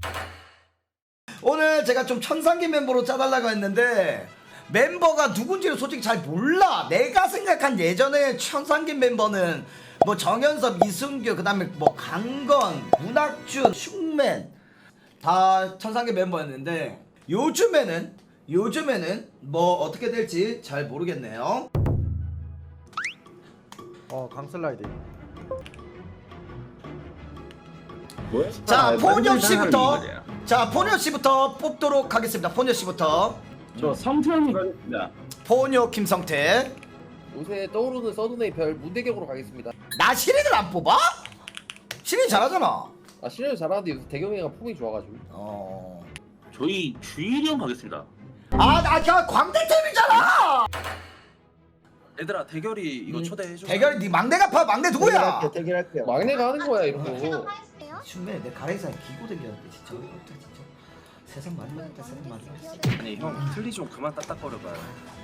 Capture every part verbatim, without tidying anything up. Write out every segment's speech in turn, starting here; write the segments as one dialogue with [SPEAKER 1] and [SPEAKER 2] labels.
[SPEAKER 1] 오늘 제가 좀 천상계 멤버로 짜달라고 했는데 멤버가 누군지를 솔직히 잘 몰라. 내가 생각한 예전에 천상계 멤버는 뭐 정연섭, 이승규, 그 다음에 뭐 강건, 문학준, 슈맨 다 천상계 멤버였는데 요즘에는 요즘에는 뭐 어떻게 될지 잘 모르겠네요.
[SPEAKER 2] 어 강슬라이드.
[SPEAKER 3] 뭐야?
[SPEAKER 1] 자,
[SPEAKER 3] 아,
[SPEAKER 1] 포뇨 씨부터
[SPEAKER 3] 만든 사람이
[SPEAKER 1] 자, 포뇨 씨부터 뽑도록 하겠습니다. 포뇨 씨부터.
[SPEAKER 3] 저 성태형이 가겠습니다.
[SPEAKER 1] 포뇨 김성태.
[SPEAKER 4] 요새 떠오르는 서든의 별 문대경으로 가겠습니다.
[SPEAKER 1] 나 시린을 안 뽑아? 시린 잘하잖아.
[SPEAKER 4] 아 실력이 잘하는데 요새 대경이가 폼이 좋아가지고.
[SPEAKER 1] 어.
[SPEAKER 3] 저희 주일이 형 가겠습니다.
[SPEAKER 1] 아, 나 그냥 광대팀이잖아.
[SPEAKER 5] 얘들아 대결이 이거
[SPEAKER 4] 음.
[SPEAKER 5] 초대해줘.
[SPEAKER 1] 대결이 네 막내가 파 막내 누구야?
[SPEAKER 2] 대결할게요. 대결할게요.
[SPEAKER 4] 막내가 하는 거야 이런 거.
[SPEAKER 1] 춘매 내 가래사에 기고 댕겼는데 진짜 어이가 없다 진짜. 세상 많이 먹었다 세상 많이 먹었어.
[SPEAKER 5] 아니 형 틀리 좀 그만 딱딱거려봐요.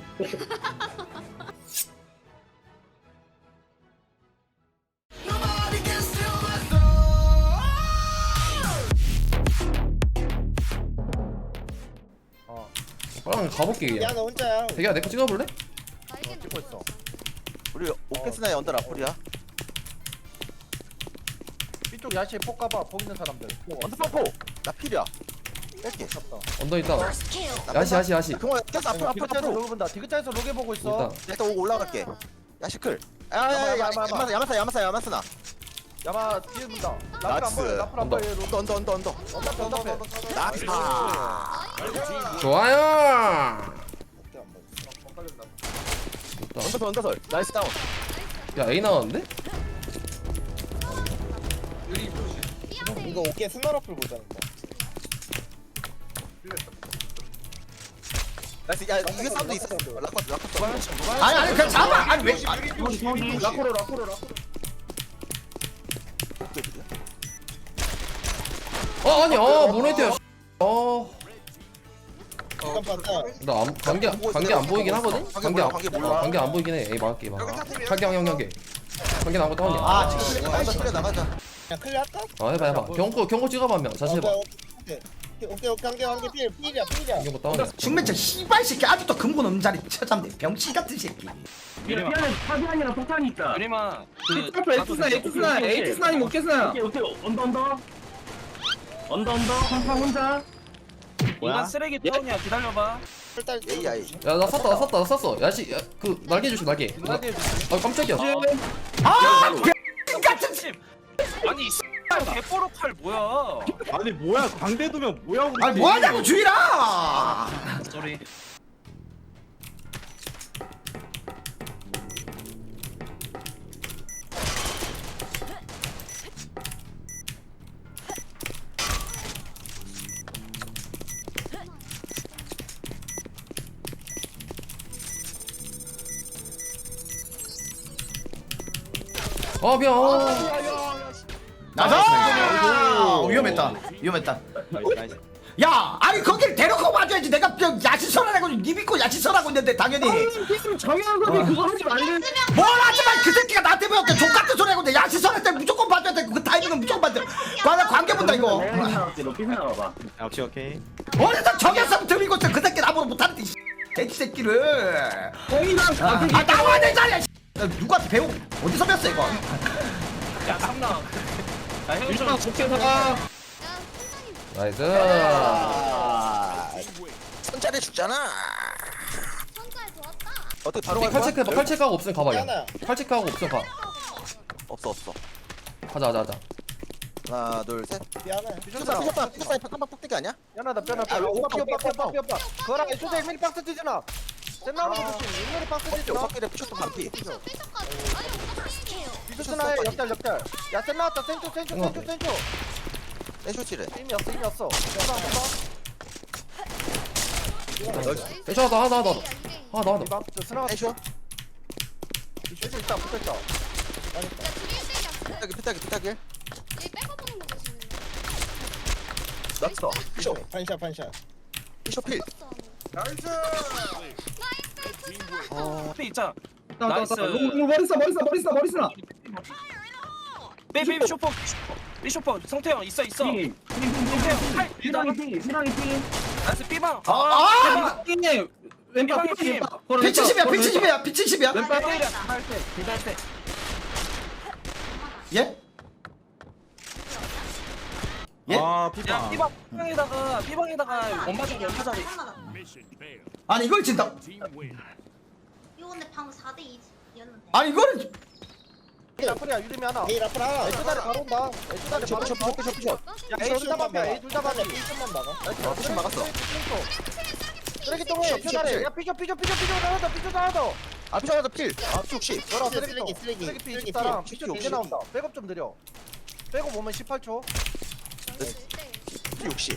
[SPEAKER 6] 빨리 가볼게 그냥.
[SPEAKER 2] 야 너 혼자야.
[SPEAKER 6] 대기야 내거 찍어볼래?
[SPEAKER 2] 찍고 있어.
[SPEAKER 7] 우리 오케스나의 언더 라플이야.
[SPEAKER 2] 이쪽 야시에 폭 가봐. 폭 있는 사람들.
[SPEAKER 7] 언더 파포. 나 필이야. 뺄게.
[SPEAKER 6] 언더 있다. 야시 야시 야시.
[SPEAKER 7] 그만 깼어. 앞으로 앞으로
[SPEAKER 2] 디귿자에서
[SPEAKER 7] 앞으로.
[SPEAKER 2] 로그 본다. 디귿자에서 로게 보고 있어.
[SPEAKER 6] 있다.
[SPEAKER 7] 일단 오고 올라갈게. 야 시클.
[SPEAKER 2] 야마,
[SPEAKER 7] 야야야
[SPEAKER 2] 야마, 야마.
[SPEAKER 7] 야마사 야마사 야마사 야마스나.
[SPEAKER 2] 야마 뒤에 본다. 라플 안
[SPEAKER 7] 나이스.
[SPEAKER 2] 보여. 라플 안 보여.
[SPEAKER 7] 언더 언더 언더 언더.
[SPEAKER 2] 언더패 언더패.
[SPEAKER 7] 나이스.
[SPEAKER 6] 좋아요.
[SPEAKER 7] 언더설 언더설. 나이스 다운.
[SPEAKER 6] 야 A 나왔는데?
[SPEAKER 2] 이거 어깨 스나 라플 보자는 거.
[SPEAKER 7] 나이스. 야 이게 사운드 있어. 라커 라커.
[SPEAKER 1] 아니 아니 그냥 잡아. 아니 왜? 아니,
[SPEAKER 2] 라코로 라코로 라코로.
[SPEAKER 6] 어 아니 어 모네트야. 어.
[SPEAKER 2] 잠깐 봤다.
[SPEAKER 6] 나 안, 관계 관계 안 보이긴 하거든. 관계 안
[SPEAKER 7] 관계 몰라.
[SPEAKER 6] 어, 관계 안 보이긴 해. A 막을게 막. 관계 형 관계. 관계 나온 거 다운이야.
[SPEAKER 1] 아,
[SPEAKER 7] 언더 클리어 나가자.
[SPEAKER 2] 야 클리어 할까?
[SPEAKER 6] 어 해봐 해봐. 경고 경고 찍어봐 한 명. 자세 해봐.
[SPEAKER 2] 오케이 오케이 오케이 한개 한개 필 필이야 필이야.
[SPEAKER 6] 경고 다운이야.
[SPEAKER 1] 춘매 저 씨발 새끼 아직도 근본 없는 자리 찾았네. 병신 같은 새끼.
[SPEAKER 3] 미안해 파비안이랑 폭탄이 있다.
[SPEAKER 5] 유리마 그
[SPEAKER 3] 에이트스나 에이트스나 에이트스나이 못겠어요. 오케이 오케이 언더 언더 언더 언더 항상 혼자.
[SPEAKER 5] 인간 쓰레기 타운이야 기다려봐.
[SPEAKER 2] 일단
[SPEAKER 7] 에이 아이.
[SPEAKER 6] 야나 샀다 나 샀다 나 샀어. 야시 야, 그 날개 주시 날개. 나, 아 깜짝이야.
[SPEAKER 1] 아, 병신 같은 새끼.
[SPEAKER 5] 아니 이 X발 개뽀로 칼 뭐야?
[SPEAKER 8] 아니 뭐야 광대 두면 뭐야 우리
[SPEAKER 1] 아니 뭐 하냐고 주희라.
[SPEAKER 5] 쏘리.
[SPEAKER 6] 아 미안.
[SPEAKER 1] 나가. 위험했다. 위험했다. 야, 아니 거길 데려고 와줘야지. 내가 야시설하라고 니 믿고 야시설하고 있는데 당연히.
[SPEAKER 3] 정현섭이 그거 하지 말래.
[SPEAKER 1] 뭘 하지만 그 새끼가 나한테 배웠대. 족같은 소리 하고 있는데 야시설할 때 무조건 봐줘야 돼. 그 타이밍은 무조건 봐줘. 나 관계 본다 이거.
[SPEAKER 3] 높이 나와봐.
[SPEAKER 8] 오케이 오케이
[SPEAKER 1] 어디서 정했으면 들이고 있어. 그 새끼 나보고 못하는데 이 돼지 새끼를.
[SPEAKER 3] 형이랑
[SPEAKER 1] 아 나와야 될 자리야. 누가 배우 어디서 배웠어 이거?
[SPEAKER 5] 야 삼나. 야
[SPEAKER 3] 유정아
[SPEAKER 5] 형
[SPEAKER 3] 좋게 살아.
[SPEAKER 6] 나이스.
[SPEAKER 7] 선짜리 죽잖아. 어떻게 바로 갈
[SPEAKER 6] 팔
[SPEAKER 7] 거야?
[SPEAKER 6] 체크 해봐. 팔 체크하고 없으면 가봐 야.
[SPEAKER 2] 하나.
[SPEAKER 6] 팔 체크하고 없으면 가.
[SPEAKER 7] 없어 없어.
[SPEAKER 6] 가자 가자 가자.
[SPEAKER 7] 하나 둘 셋.
[SPEAKER 2] 미안해.
[SPEAKER 7] 피셔사 피셔사 피셔사 한방 폭대기 아니야?
[SPEAKER 2] 야나다 뼈나
[SPEAKER 7] 아,
[SPEAKER 2] 뼈. 오빠
[SPEAKER 7] 오빠,
[SPEAKER 2] 뼈
[SPEAKER 7] 오빠,
[SPEAKER 2] 오빠 뼈 오빠. 그거랑 애초에 미리 박스 뛰잖아. 젠나오는 거 조심. 인물이 박스 뛰잖아.
[SPEAKER 7] 오빠끼리 피셔사 반피.
[SPEAKER 2] 비스나의 역달 역달. 야 센 나왔다. 센초 센초 센초 센초.
[SPEAKER 7] 애쇼치래.
[SPEAKER 2] 힘이 없어 힘이 없어.
[SPEAKER 6] 애쇼 하나 하나 하나 하나 하나.
[SPEAKER 2] 이방 저 스나가
[SPEAKER 7] 애쇼.
[SPEAKER 2] 애쇼 있다 붙어있다.
[SPEAKER 7] 피타기 피타기 피타기. 났어. 피쇼.
[SPEAKER 2] 반샷 반샷.
[SPEAKER 7] 피쇼 필.
[SPEAKER 5] 앞에 있자.
[SPEAKER 3] 나이스.
[SPEAKER 5] 나이스.
[SPEAKER 3] 머리 써 머리 써 머리 써 머리 써.
[SPEAKER 5] 베이비 쇼퍼. 비쇼퍼 성태형 있어 있어. 성태형 팔
[SPEAKER 3] 피랑이 피 피랑이 피
[SPEAKER 5] 나이스 삐방.
[SPEAKER 1] 아, 아!
[SPEAKER 3] 삐님 왼발
[SPEAKER 5] 삐방이
[SPEAKER 3] 삐
[SPEAKER 5] 삐.
[SPEAKER 1] 피칠십이야 피칠십이야 피칠십이야
[SPEAKER 3] 왼발 삐
[SPEAKER 5] 기다릴 때 기다릴 때.
[SPEAKER 1] 예? 예?
[SPEAKER 8] 아
[SPEAKER 5] 야
[SPEAKER 8] 피파.
[SPEAKER 5] 삐방 삐방에다가 삐방에다가 엄마 자리 엄마 자리.
[SPEAKER 1] 아니 이걸 진다
[SPEAKER 9] 이거 근데 방금 사 대 이였는데.
[SPEAKER 1] 아니 이거를
[SPEAKER 2] 에이 라플이야 유림이 하나
[SPEAKER 7] 에이 라프라.
[SPEAKER 2] 에이 두다리 바로 온다 에이 두다리 바로
[SPEAKER 7] 피셔
[SPEAKER 2] 온다
[SPEAKER 7] 피셔 피셔.
[SPEAKER 2] 야 에이 둘다 밥이야 에이 둘다 밥이야
[SPEAKER 7] 피셔만 막아. 어 피셔 막았어.
[SPEAKER 2] 쓰레기통에 피자리 야 피셔 피셔 피셔 피셔 하나 더 피셔 하나 더
[SPEAKER 7] 아 피셔 하나 더 필. 아 피 혹시.
[SPEAKER 2] 너라
[SPEAKER 7] 쓰레기,
[SPEAKER 2] 쓰레기통
[SPEAKER 7] 쓰레기,
[SPEAKER 2] 쓰레기 피
[SPEAKER 7] 쓰레기,
[SPEAKER 2] 이십사랑
[SPEAKER 7] 쓰레기,
[SPEAKER 2] 피셔
[SPEAKER 7] 쓰레기,
[SPEAKER 2] 이제 나온다 백업 좀 느려 백업 오면 십팔 초
[SPEAKER 7] 피 혹시.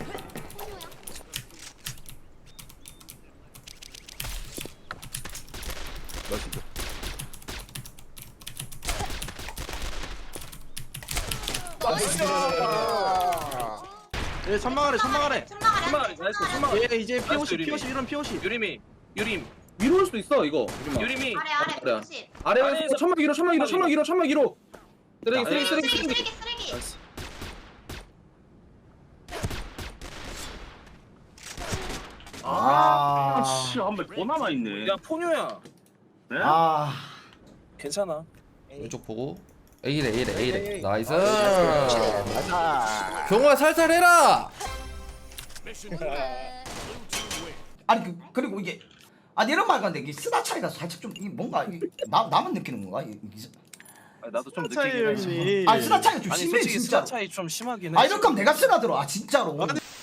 [SPEAKER 7] 멋있다.
[SPEAKER 8] 예 천막아래 천막아래.
[SPEAKER 5] 천막 나이스 천막.
[SPEAKER 8] 얘 이제 피오십
[SPEAKER 5] 유림이.
[SPEAKER 8] 피오십 이런 피오십.
[SPEAKER 5] 유림이 유림
[SPEAKER 3] 위로 올 수도 있어 이거
[SPEAKER 5] 유림이.
[SPEAKER 9] 아래 아래
[SPEAKER 3] 그래.
[SPEAKER 9] 구십.
[SPEAKER 3] 아래에서
[SPEAKER 5] 아래에서
[SPEAKER 3] 천막 위로 천막 위로 천막 위로 천막 위로 쓰레기 쓰레기 쓰레기
[SPEAKER 9] 쓰레기
[SPEAKER 3] 쓰레기
[SPEAKER 9] 쓰레기 쓰레기.
[SPEAKER 5] 나이스.
[SPEAKER 1] 아,
[SPEAKER 3] 아씨 한발더 남아 있네.
[SPEAKER 5] 야 포뇨야.
[SPEAKER 3] 네?
[SPEAKER 1] 아
[SPEAKER 5] 괜찮아.
[SPEAKER 6] 왼쪽 보고 A래 A래
[SPEAKER 2] 에이,
[SPEAKER 6] A래
[SPEAKER 2] 에이.
[SPEAKER 6] 나이스
[SPEAKER 7] 아.
[SPEAKER 6] 경호야 살살 해라
[SPEAKER 1] 아니 그, 그리고 이게 아니 이런 말 같은데 이게 쓰다 차이가 살짝 좀 이게 뭔가 이게 나 나만 느끼는 건가? 이게, 이게-
[SPEAKER 5] 아니, 나도 좀 느끼긴 해.
[SPEAKER 8] 차이지.
[SPEAKER 1] 아니 쓰다 차이가 좀
[SPEAKER 5] 아니
[SPEAKER 1] 심해
[SPEAKER 5] 솔직히
[SPEAKER 1] 진짜.
[SPEAKER 5] 스타 차이 좀 심하긴 해.
[SPEAKER 1] 아 이렇게 하면 내가 쓰나 들어. 아 진짜로.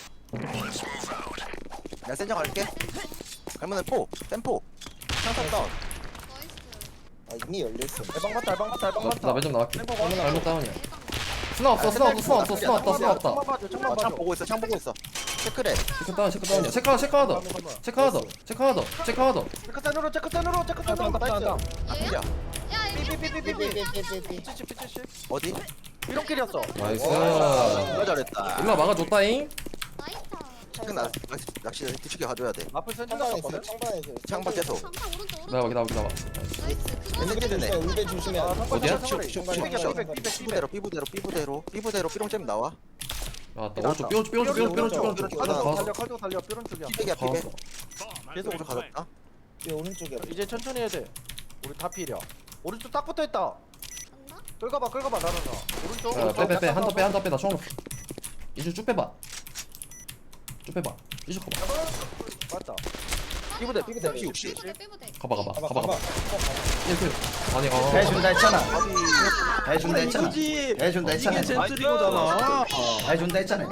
[SPEAKER 7] 나 센정 갈게. 갈문에 포. 템포. 창사 다운. 아 이미 열렸어.
[SPEAKER 2] 대방 맞다 대방 맞다 대방 맞다
[SPEAKER 6] 나 매점 나갈게
[SPEAKER 2] 템포 맞다
[SPEAKER 6] 잘못 다운이야 스나 없어 스나 없어 스나 없어 스나 없다 스나 없다
[SPEAKER 2] 창만 봐줘 창만
[SPEAKER 7] 아, 창
[SPEAKER 2] 봐줘
[SPEAKER 7] 보고 있어. 창 보고 있어. 체크래.
[SPEAKER 6] 체크 다운 체크 다운이야 체크 하나 체크 하나 더 체크 하나 더 체크 하나 더 체크 하나 더
[SPEAKER 2] 체크센으로 체크센으로 체크센으로 나이스
[SPEAKER 7] 아프야.
[SPEAKER 2] 삐삐삐삐삐삐삐삐삐 피치십 피치십
[SPEAKER 7] 어디?
[SPEAKER 2] 이런길이었어
[SPEAKER 6] 나이스
[SPEAKER 7] 누가 잘했다.
[SPEAKER 6] 일로 막아줬다잉
[SPEAKER 7] 체크 나 낚시 뒤치게 가져야 돼.
[SPEAKER 2] 앞을 센줄 나왔거든
[SPEAKER 7] 창밖 계속.
[SPEAKER 6] 나와 기다려 기다려
[SPEAKER 7] 엔드게드네.
[SPEAKER 6] 어디야?
[SPEAKER 7] 삐부대로 삐부대로 삐부대로 삐부대로 삐롱잼 나와.
[SPEAKER 6] 나왔다 오른쪽 삐오른쪽 삐오른쪽 삐오른쪽 삐오른쪽 삐오른쪽
[SPEAKER 7] 삐오른쪽.
[SPEAKER 6] 다
[SPEAKER 2] 달려 칼도 달려 뾰른 쪽이야
[SPEAKER 7] 피백이야 피백.
[SPEAKER 6] 봤어
[SPEAKER 7] 계속 오른쪽 가졌다.
[SPEAKER 2] 이제 천천히 해야 돼 우리 다 필이야 오른쪽 딱 붙어있다 끌어봐 끌어봐 나는 나 오른쪽
[SPEAKER 6] 빼빼빼 한 더 빼 한 더 빼 나 총알 없어 이쪽 쭉 빼봐 쭉 빼봐 이쪽 가봐
[SPEAKER 2] 맞다
[SPEAKER 7] 삐부대 삐부대 피 혹시.
[SPEAKER 6] 가봐 가봐 가봐 가봐 일필 아니 어
[SPEAKER 1] 해준다 했잖아. 해준다 했잖아.
[SPEAKER 8] 이거지.
[SPEAKER 1] 해준다 했잖아.
[SPEAKER 8] 이게 젠틀이거잖아.
[SPEAKER 1] 해준다 했잖아.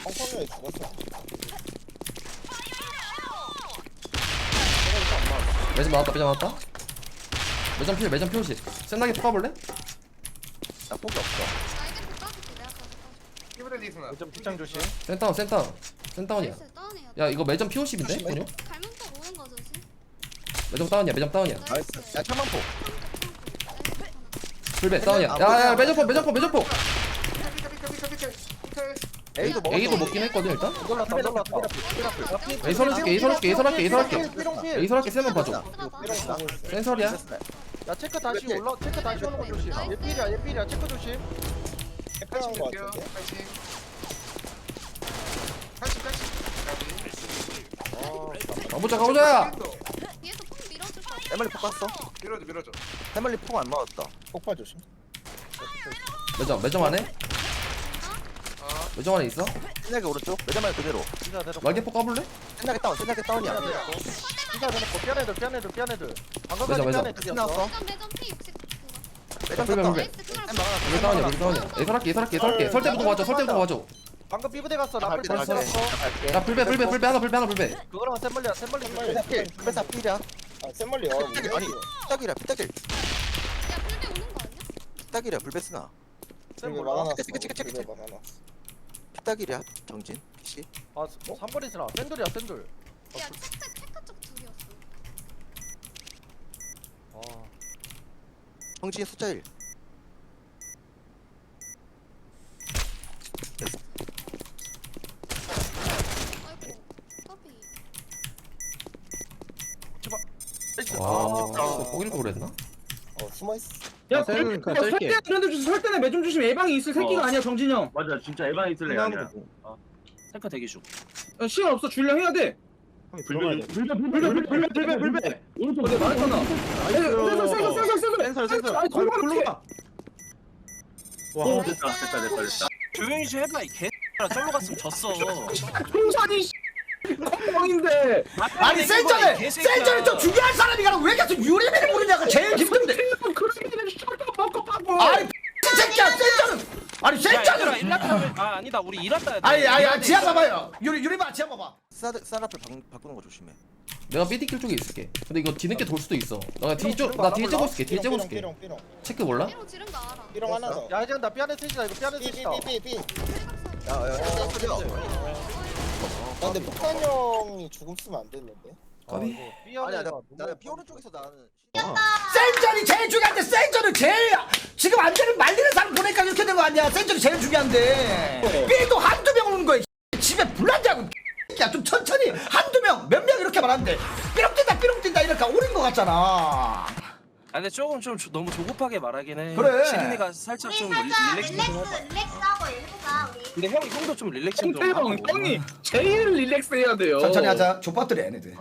[SPEAKER 6] 매점 나왔다 매점 나왔다 매점 필 매점 필 센나게 뽑아볼래?
[SPEAKER 7] 나 폭이 없어.
[SPEAKER 2] 좀 뒷장 조심
[SPEAKER 6] 센다운 센다운 센다운이야 야 이거 매점 피오십인데? 군요?
[SPEAKER 9] 갈문법 오는 거 조심.
[SPEAKER 6] 매점 다운이야 매점 다운이야
[SPEAKER 7] 야 창만포.
[SPEAKER 6] 불배 다운이야 야야 매점포 매점포 매점포
[SPEAKER 7] A도 먹었어.
[SPEAKER 6] A도 먹긴 했거든 일단
[SPEAKER 2] 놀랐다 놀랐다
[SPEAKER 6] A 설해줄게 A 설해줄게 A 설할게 A 설할게 A
[SPEAKER 2] 삐롱필
[SPEAKER 6] 설할게 세면 봐줘 센설이야
[SPEAKER 2] 야 체크 다시 올라 체크 다시 오는 거 조심 얘 필이야 얘 필이야 체크 조심
[SPEAKER 6] 가보자 가보자
[SPEAKER 9] 뒤에서 폼 밀어줄 거.
[SPEAKER 7] 해멀리 폭 갔어. 밀어줘 밀어줘. 해멀리 폭 안 맞았다. 폭발 조심.
[SPEAKER 6] 매점 매점 안에? 매점 안에 있어?
[SPEAKER 7] 신나게 오른쪽. 매점만 그대로.
[SPEAKER 2] 진짜 대놓고
[SPEAKER 6] 날개포 까볼래?
[SPEAKER 7] 신나게 다운. 신나게 다운이야.
[SPEAKER 2] 진짜 대놓고 삐안 애들 삐안 애들 삐안 애들 방금
[SPEAKER 6] 매점,
[SPEAKER 2] 삐안
[SPEAKER 6] 매점.
[SPEAKER 2] 애들이었어
[SPEAKER 7] 신나왔어.
[SPEAKER 9] 매점 매점 P 육십 그거.
[SPEAKER 7] 매점
[SPEAKER 6] 불배
[SPEAKER 7] 샀다.
[SPEAKER 6] 불배
[SPEAKER 9] 나이스 그걸
[SPEAKER 6] 불배 다운이야 불배 다운이야 A 설할게 A 설할게 A 설할게 설때부터 봐줘 설때부터 봐줘
[SPEAKER 2] 방금 삐부대 갔어 라플
[SPEAKER 7] 갈게,
[SPEAKER 2] 잘
[SPEAKER 7] 갈게.
[SPEAKER 2] 썼어
[SPEAKER 7] 갈게.
[SPEAKER 6] 야 불배 불배 불배 하나 불배 하나 불배
[SPEAKER 2] 그거랑 샘멀리야 샘멀리
[SPEAKER 7] 불배사 필. 불배사 필이야.
[SPEAKER 2] 샘멀리
[SPEAKER 7] 피딱일 아니 피딱이라 피딱일.
[SPEAKER 9] 야 불배 오는 거 아니야?
[SPEAKER 7] 피딱이라 불배스나.
[SPEAKER 2] 샘멀리
[SPEAKER 7] 체크 체크 체크 체크. 피딱이랴 정진. 씨.
[SPEAKER 2] 아 삼 번이 스나 샌들이야 샌들
[SPEAKER 9] 야 체크 체크 쪽 둘이었어.
[SPEAKER 2] 아
[SPEAKER 7] 정진 숫자 일.
[SPEAKER 9] 아이고 커피.
[SPEAKER 6] 와 포기를 걸 그랬나?
[SPEAKER 3] 야
[SPEAKER 8] 셀은 그냥
[SPEAKER 3] 설대
[SPEAKER 8] 셀게.
[SPEAKER 3] 그런데 주심 설대는 매점 주심 예방이 있을 새끼가
[SPEAKER 5] 어.
[SPEAKER 3] 아니야 정진이 형. 맞아 진짜 예방이 있을 애 아니야.
[SPEAKER 5] 셀카 대기 중.
[SPEAKER 8] 야, 시간 없어. 줄려 해야 돼.
[SPEAKER 3] 불배 불배
[SPEAKER 8] 불배 불배 불배 불배 불배.
[SPEAKER 3] 오른쪽
[SPEAKER 8] 어제 말했잖아. 센서 센서 센서 센서.
[SPEAKER 7] 센서 센서.
[SPEAKER 8] 아니 골로 골로 가.
[SPEAKER 3] 와 됐다 됐다 됐다 됐다.
[SPEAKER 5] 조용히 좀 해봐 이 개. 쫄로 갔으면 졌어.
[SPEAKER 8] 풍산이 뻥인데.
[SPEAKER 1] 아니 센터를 센터를 좀 중요한 사람이 가라 왜 계속 유리맨을 부르냐가 제일 힘든데.
[SPEAKER 8] 그렇게 셔터 먹고 파고.
[SPEAKER 1] 아니 이 새끼야 센터는 아니
[SPEAKER 5] 야 얘들아
[SPEAKER 1] 센터는
[SPEAKER 5] 일났다. 아 아니다 우리 일났다. 해야 돼.
[SPEAKER 1] 아니 아니 아니
[SPEAKER 5] 일났다
[SPEAKER 1] 지하
[SPEAKER 5] 했어.
[SPEAKER 1] 봐봐요. 유리 유리만 지하 봐봐.
[SPEAKER 7] 쌀 앞을 바꾸는 거 조심해.
[SPEAKER 6] 내가 삐디킬 쪽에 있을게. 근데 이거 뒤늦게 돌 수도 있어. 나 뒤쪽 나 뒤에 째고 있을게. 뒤에 째고 있을게.
[SPEAKER 7] 삐롱 삐롱.
[SPEAKER 6] 체크 몰라?
[SPEAKER 9] 삐롱 지른 거 알아.
[SPEAKER 7] 삐롱 하나 더.
[SPEAKER 2] 야 이제 나 삐안에 트시다 이거 삐안에 트시다
[SPEAKER 7] 삐삐삐삐. 야야 야. 아 근데 폭탄 형이 죽음 쓰면 안 되는데.
[SPEAKER 6] 까비.
[SPEAKER 7] 아니야 나나 삐 오른쪽에서 나는.
[SPEAKER 1] 센전이 제일 중요한데 센전은 제일 지금 안되는 말리는 사람 보니까 이렇게 된 거 아니야. 센전이 제일 중요한데 삐도 한두 명 오는 거야. 집에 불난다고 야 좀 천천히 한두 명 몇 명 이렇게 말하는데 삐롱 뛴다 삐롱 뛴다 이러니까 오른 거 같잖아.
[SPEAKER 5] 아 근데 조금 좀 조- 너무 조급하게 말하긴 해.
[SPEAKER 1] 그래.
[SPEAKER 5] 시린이가 살짝
[SPEAKER 9] 우리
[SPEAKER 5] 좀
[SPEAKER 9] 살짝
[SPEAKER 5] 릴렉스
[SPEAKER 9] 릴렉스
[SPEAKER 5] 좀 해봐.
[SPEAKER 9] 릴렉스 하고 해보자 우리.
[SPEAKER 5] 근데 형 형도 좀 릴렉스 좀
[SPEAKER 8] 홍태형
[SPEAKER 5] 하고.
[SPEAKER 8] 형이 제일 릴렉스 해야 돼요.
[SPEAKER 1] 천천히 하자. 족밥들이 얘네들.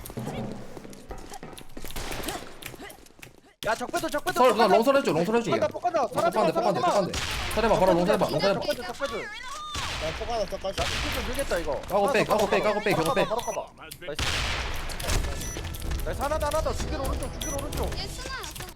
[SPEAKER 2] 야 적배도 적배도
[SPEAKER 6] 설, 나 롱설 해줘. 롱설 해줘.
[SPEAKER 2] 폭간다 폭간다
[SPEAKER 6] 폭간대 폭간대 폭간대. 설해봐 바로 롱설 해봐. 롱설 해봐.
[SPEAKER 2] 적배도 적배도
[SPEAKER 7] 나 폭 하나 더 까지.
[SPEAKER 2] 좀 밀겠다 이거
[SPEAKER 6] 까고 빼, 까고 빼, 까고 빼,
[SPEAKER 2] 바로
[SPEAKER 6] 까고 빼.
[SPEAKER 2] 가봐, 바로 가봐. 나이스 나이스 하나 더 하나 더 죽일 오른쪽 죽일 오른쪽
[SPEAKER 9] 얘 스나야 스나.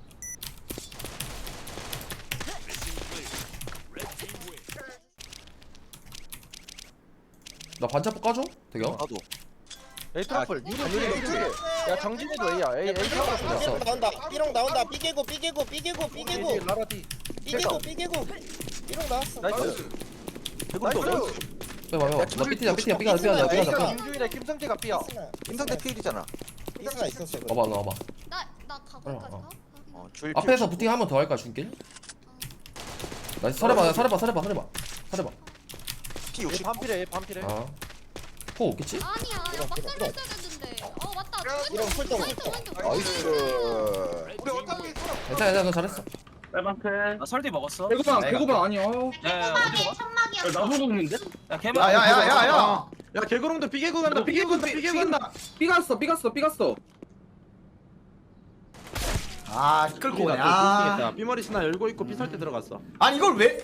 [SPEAKER 6] 나 반차포 까줘? 대경.
[SPEAKER 7] 나도.
[SPEAKER 2] 에이 트러플 유리 유리 유리 야 정진이도 A야 A A 타고
[SPEAKER 6] 됐어.
[SPEAKER 2] 있어
[SPEAKER 7] 삐롱 나온다. 삐롱 나온다. 삐개고 삐개고 삐개고 삐개고
[SPEAKER 2] 라라 D
[SPEAKER 7] 삐개고 삐개고. 삐롱 나왔어.
[SPEAKER 2] 나이스
[SPEAKER 7] 배고도.
[SPEAKER 2] 나이스
[SPEAKER 6] 빼봐 빼봐. 나 삐티야 삐티야 삐가 삐가 삐가
[SPEAKER 2] A가
[SPEAKER 6] 삐가.
[SPEAKER 2] 김주일에 김성재가 B야
[SPEAKER 7] 김상대 필이잖아. 삐스나 있었어.
[SPEAKER 6] 와봐 나 와봐.
[SPEAKER 9] 나나 가고까지
[SPEAKER 6] 어,
[SPEAKER 9] 가.
[SPEAKER 7] 어, 줄
[SPEAKER 6] 앞에서 부팅 한 번 더 할까 중길? 나이스 설해봐 설해봐 설해봐 설해봐 설해봐.
[SPEAKER 7] 피
[SPEAKER 2] 얘
[SPEAKER 7] 육십.
[SPEAKER 2] 반필해 얘 반필해
[SPEAKER 6] 아. 포 없겠지?
[SPEAKER 9] 아니야 야 막살 했어야 됐는데. 어 맞다.
[SPEAKER 7] 이런
[SPEAKER 9] 왼쪽
[SPEAKER 7] 훌떡
[SPEAKER 9] 왼쪽
[SPEAKER 7] 훌떡.
[SPEAKER 9] 왼쪽.
[SPEAKER 7] 나이스.
[SPEAKER 2] 우리 어떻게
[SPEAKER 6] 괜찮아 괜찮아 너 잘했어.
[SPEAKER 3] 빨방클.
[SPEAKER 5] 나 설디 먹었어.
[SPEAKER 8] 배고파 배고파 아니야.
[SPEAKER 5] 야야 어디
[SPEAKER 9] 천막이
[SPEAKER 5] 먹어?
[SPEAKER 9] 천막이었어.
[SPEAKER 3] 나도 먹는데?
[SPEAKER 5] 야 개만.
[SPEAKER 1] 야야야야야.
[SPEAKER 8] 야 개구름도 삐개고 간다 삐개고 간다 삐개고 간다. 삐갔어 삐갔어 삐갔어.
[SPEAKER 1] 아 끌고 오네. 아.
[SPEAKER 8] 삐머리 스나 열고 있고 삐설 때 들어갔어.
[SPEAKER 1] 아니 이걸 왜?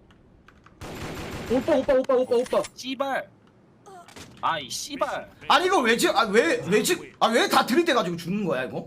[SPEAKER 8] 오빠 오빠 오빠 오빠 오빠.
[SPEAKER 5] 씨발. 아이 씨발.
[SPEAKER 1] 아니 이걸 왜 지? 아왜왜 지? 아왜 다 들이대가지고 죽는 거야 이거?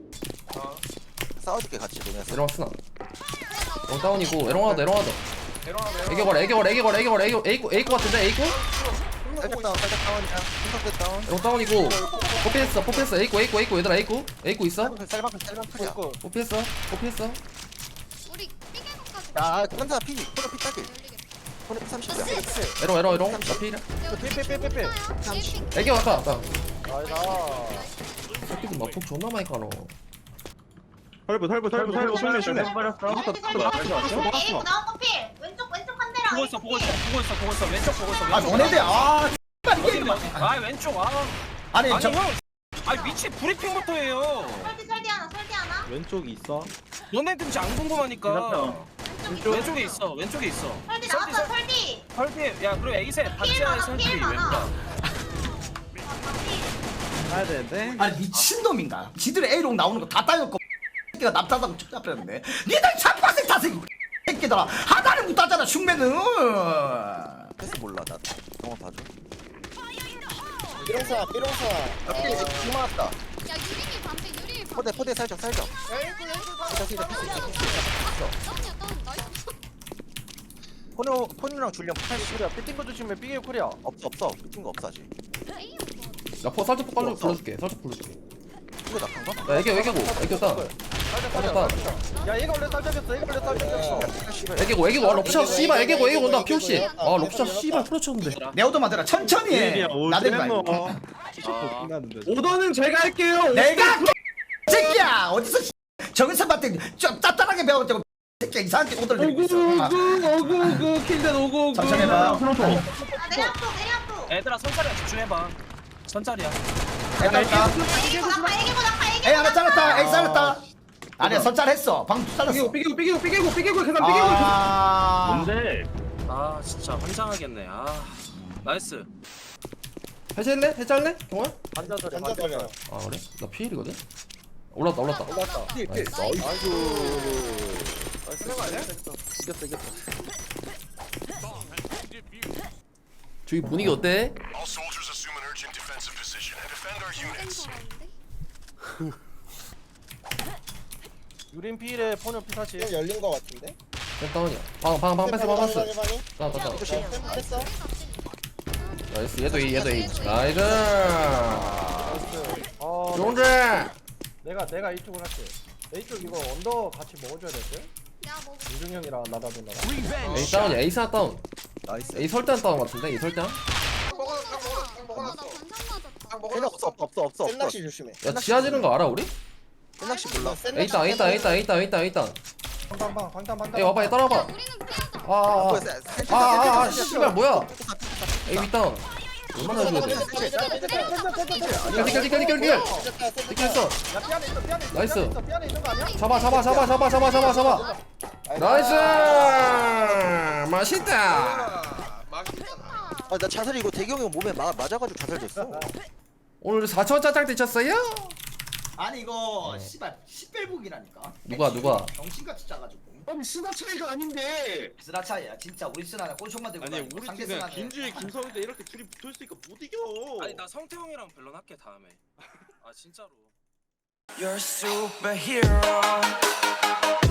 [SPEAKER 7] 싸워줄게 같이 너네.
[SPEAKER 6] 에롱 쓰나. 롱 다운이고 에롱 하나 더 에롱 하나 더. 애기 걸 애기 걸 애기 걸 애기 걸 애기 에이코 에이코 같은데 에이코?
[SPEAKER 7] 살짝 다운 살짝 다운이야. 김상대 다운.
[SPEAKER 6] 에롱 다운이고 포피했어 포피했어 에이코 에이코 에이코 얘들아 에이코 에이코 있어?
[SPEAKER 7] 쌀방클 쌀방클이야.
[SPEAKER 2] 있고
[SPEAKER 6] 포피했어 포피했어.
[SPEAKER 9] 우리 삐개고까지.
[SPEAKER 7] 야 현사 피. 코너 피 따길.
[SPEAKER 9] 열리겠다.
[SPEAKER 7] 코너 피 삼십이야.
[SPEAKER 6] 에롱 에롱 에롱 나 피이래.
[SPEAKER 2] 빼빼빼빼빼
[SPEAKER 6] 애기 왔다 왔다.
[SPEAKER 2] 아이다
[SPEAKER 6] 새끼들 막폭 존나 많이 까노.
[SPEAKER 8] 털부 털부 털부 털부 흉내 흉내.
[SPEAKER 3] 버렸어.
[SPEAKER 9] 에이구 나온 거 필. 왼쪽 왼쪽 한 대랑.
[SPEAKER 5] 보고 있어 보고 있어 보고 있어 보고 있어 왼쪽 보고 있어
[SPEAKER 1] 아
[SPEAKER 5] 왼쪽.
[SPEAKER 1] 너네들 아. X발
[SPEAKER 5] 어디
[SPEAKER 1] 이게
[SPEAKER 5] 어디? 아 왼쪽 아.
[SPEAKER 1] 아니
[SPEAKER 5] 아니
[SPEAKER 1] 저
[SPEAKER 5] 형. 아 위치 브리핑부터 해요.
[SPEAKER 9] 설디 설디 하나 설디 하나.
[SPEAKER 8] 왼쪽이 있어.
[SPEAKER 5] 너네들 진짜 안 궁금하니까. 왼쪽에 있어 왼쪽에 있어.
[SPEAKER 9] 설디
[SPEAKER 5] 설디,
[SPEAKER 9] 나왔어
[SPEAKER 5] 설-
[SPEAKER 9] 설디.
[SPEAKER 5] 설디 야 그리고 에이세
[SPEAKER 9] 필
[SPEAKER 5] 박지하의
[SPEAKER 9] 많아
[SPEAKER 5] 설디
[SPEAKER 9] 필 많아.
[SPEAKER 5] 왼쪽.
[SPEAKER 8] 가야 되는데.
[SPEAKER 1] 아니 미친놈인가? 지들의 A롱 나오는 거 다 따였고 새끼가 납작하고 촉잡혔는데 니들 참파생 타생 새끼들아 하나를 못 따잖아 흉매는.
[SPEAKER 7] 패스 몰라 나. 영화 봐줘. 삐롱사 삐롱사. 삐 지금 맞다.
[SPEAKER 9] 야 유리기 반대 유리 반대.
[SPEAKER 7] 포대 포대 살짝 살짝.
[SPEAKER 9] 에이구 에이구 반대.
[SPEAKER 7] 살짝 살짝 패스 있어. 패스 있어.
[SPEAKER 9] 다운이야 다운 나이스.
[SPEAKER 7] 포노 포노랑 줄령 팔십.
[SPEAKER 2] 야 삐띵 거 조심해 삐개 쿨이야
[SPEAKER 7] 없어 없어. 삐진 거 없어 아직.
[SPEAKER 9] 에이
[SPEAKER 6] 나포 살짝 폭 깔려 불러줄게 살짝 불러줄게.
[SPEAKER 7] 이거 낙한 거?
[SPEAKER 6] 야 애기 애기고 애기 따.
[SPEAKER 2] 살짝 살짝 야 얘가 원래 쌀적이었어 얘가 원래 쌀적이었어
[SPEAKER 6] 애기고 애기고 아 럽샷 씨발 애기고 애기고 온다 피오씨. 아 럽샷 씨발 풀어쳤는데.
[SPEAKER 1] 내 오도 만들어 천천히 해. 나대지 말고.
[SPEAKER 8] 오더는 제가 할게요.
[SPEAKER 1] 내가 새끼야 어디서 정은선한테 좀 따뜻하게 배웠다고 새끼야 이상하게 오들
[SPEAKER 8] 오구
[SPEAKER 1] 내리고 있어. 아,
[SPEAKER 8] 오구 오구 오구 킬den 오구 오구.
[SPEAKER 1] 천천히 해봐.
[SPEAKER 9] 아 내려왔어 내려왔어.
[SPEAKER 5] 애들아 선짜리야 집중해봐. 선짜리야.
[SPEAKER 1] 됐다 됐다.
[SPEAKER 9] 에이구 낙하 에이구 낙하 에이구.
[SPEAKER 1] 에이 하나 잘랐다. 에이 잘랐다. 아니야 선잘했어. 방금 잘랐어.
[SPEAKER 8] 삐개고 삐개고 삐개고 삐개고 삐개고 계산 삐개고.
[SPEAKER 1] 아.
[SPEAKER 3] 뭔데?
[SPEAKER 5] 아 진짜 환장하겠네. 아. 나이스.
[SPEAKER 6] 해제할래? 해제할래? 경호야?
[SPEAKER 2] 반자절에
[SPEAKER 7] 반자절이야.
[SPEAKER 2] 반자절.
[SPEAKER 6] 아 그래? 나 피일이거든? 올랐다 올랐다
[SPEAKER 2] 올랐다.
[SPEAKER 6] 나이스.
[SPEAKER 7] 아이고.
[SPEAKER 2] 나이스 거 아니야?
[SPEAKER 7] 이겼다 이겼다.
[SPEAKER 6] 저기 분위기 어때?
[SPEAKER 10] All soldiers assume an urgent defensive position and defend our units.
[SPEAKER 2] 유린 피일에 포뇨 피사치.
[SPEAKER 7] 좀 열린 거 같은데?
[SPEAKER 6] 다운이야 방방방 뺐어 방 뺐어
[SPEAKER 7] 방이, 방이.
[SPEAKER 6] 다운 다운
[SPEAKER 7] 조심. 했어.
[SPEAKER 6] 나이스 얘도 이 얘도 이 나이스
[SPEAKER 2] 어,
[SPEAKER 6] 용재
[SPEAKER 2] 내가 내가 이쪽을 할게. A 쪽 이거 언더 같이 먹어줘야 될 듯?
[SPEAKER 9] 야 먹어.
[SPEAKER 2] 유중 형이랑 나다도 나다.
[SPEAKER 6] A 다운이야 A 사 다운
[SPEAKER 7] 나이스.
[SPEAKER 6] A 설대 다운 같은데 A 설대
[SPEAKER 9] 먹어 먹어 먹어. 나 관상 맞았다.
[SPEAKER 7] 센 없어 없어 없어 없어. 센낚시 조심해.
[SPEAKER 6] 야 지하지는 거 알아 우리?
[SPEAKER 7] 센낚시 몰라.
[SPEAKER 6] A 다운 A 다운 A 다운 A 다운 A 다운 A 다운
[SPEAKER 2] 방방 방탄 방탄.
[SPEAKER 6] A 와봐 얘 따라와봐
[SPEAKER 9] 야 우리는 피하자.
[SPEAKER 6] 아아아아 씨발 뭐야 A 윗다운 얼마나 해줘야 돼 디칼 디칼 디칼 디칼 디칼 디칼 했어
[SPEAKER 2] 야 삐안에 있어 삐안에 있어.
[SPEAKER 6] 나이스.
[SPEAKER 2] 삐안에 있어, 삐안에 있는 거 아니야?
[SPEAKER 6] 잡아 잡아 잡아 잡아 잡아 잡아 잡아 나이스 맛있다
[SPEAKER 7] 아나 자살 이거 대경이 몸에 마, 맞아가지고 자살됐어.
[SPEAKER 6] 오늘 사천 짜장 드셨어요?
[SPEAKER 1] 아니 이거 씨발 십벨북이라니까.
[SPEAKER 6] 누가, 누가?
[SPEAKER 1] 정신같이 짜가지고.
[SPEAKER 3] 아니 스나 차이가 아닌데.
[SPEAKER 1] 스나 차이야 진짜. 우리 스나는 꼴총만 들고
[SPEAKER 8] 아니
[SPEAKER 1] 다니고
[SPEAKER 8] 우리
[SPEAKER 1] 상대
[SPEAKER 8] 팀에
[SPEAKER 1] 스나는
[SPEAKER 8] 김주희, 김성희도 이렇게 둘이 붙어있으니까 못 이겨.
[SPEAKER 5] 아니 나 성태형이랑 밸런 할게 다음에. 아 진짜로.
[SPEAKER 10] You're a superhero.